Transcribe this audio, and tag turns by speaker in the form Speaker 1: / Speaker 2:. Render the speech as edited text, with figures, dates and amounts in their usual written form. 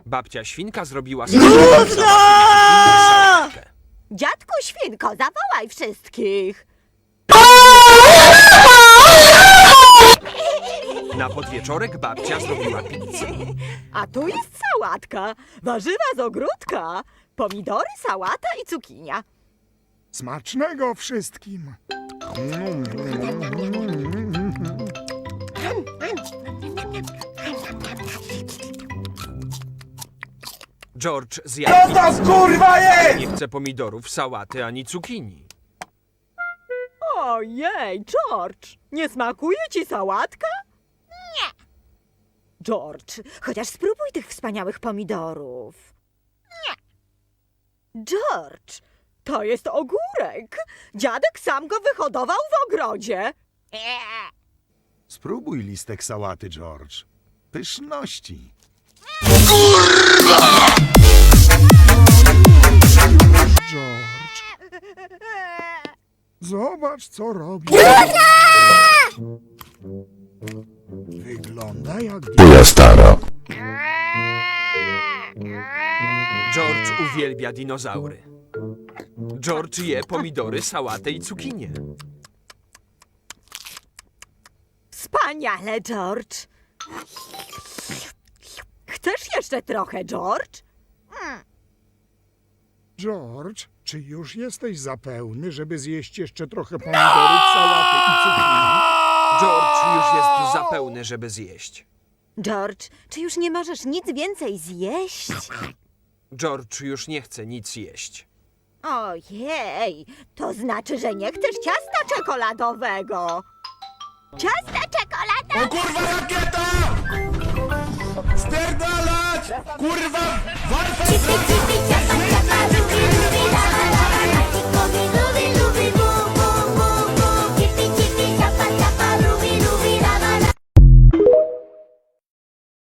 Speaker 1: Babcia Świnka zrobiła
Speaker 2: sałatkę. Dziadku Świnko, zawołaj wszystkich.
Speaker 1: Na podwieczorek babcia zrobiła pizzę.
Speaker 2: A tu jest sałatka, warzywa z ogródka, pomidory, sałata i cukinia.
Speaker 3: Smacznego wszystkim.
Speaker 1: George zjadł pizzę.
Speaker 4: Kurwa jest!
Speaker 1: Nie chce pomidorów, sałaty ani cukinii.
Speaker 2: Ojej, George, nie smakuje ci sałatka? Nie. George, chociaż spróbuj tych wspaniałych pomidorów. Nie. George, to jest ogórek. Dziadek sam go wyhodował w ogrodzie.
Speaker 3: Spróbuj listek sałaty, George. Pyszności. George, zobacz, co robi. Wygląda jak...
Speaker 5: Twoja stara.
Speaker 1: George uwielbia dinozaury. George je pomidory, sałatę i cukinię.
Speaker 2: Wspaniale, George. Chcesz jeszcze trochę, George?
Speaker 3: George, czy już jesteś za pełny, żeby zjeść jeszcze trochę pomidorów, sałaty i cukinii?
Speaker 1: George już jest za pełny, żeby zjeść.
Speaker 2: George, czy już nie możesz nic więcej zjeść?
Speaker 1: George już nie chce nic jeść.
Speaker 2: Ojej, to znaczy, że nie chcesz ciasta czekoladowego. Ciasta czekoladowe!
Speaker 4: O kurwa rakieta! Spierdalać! Kurwa! Walka!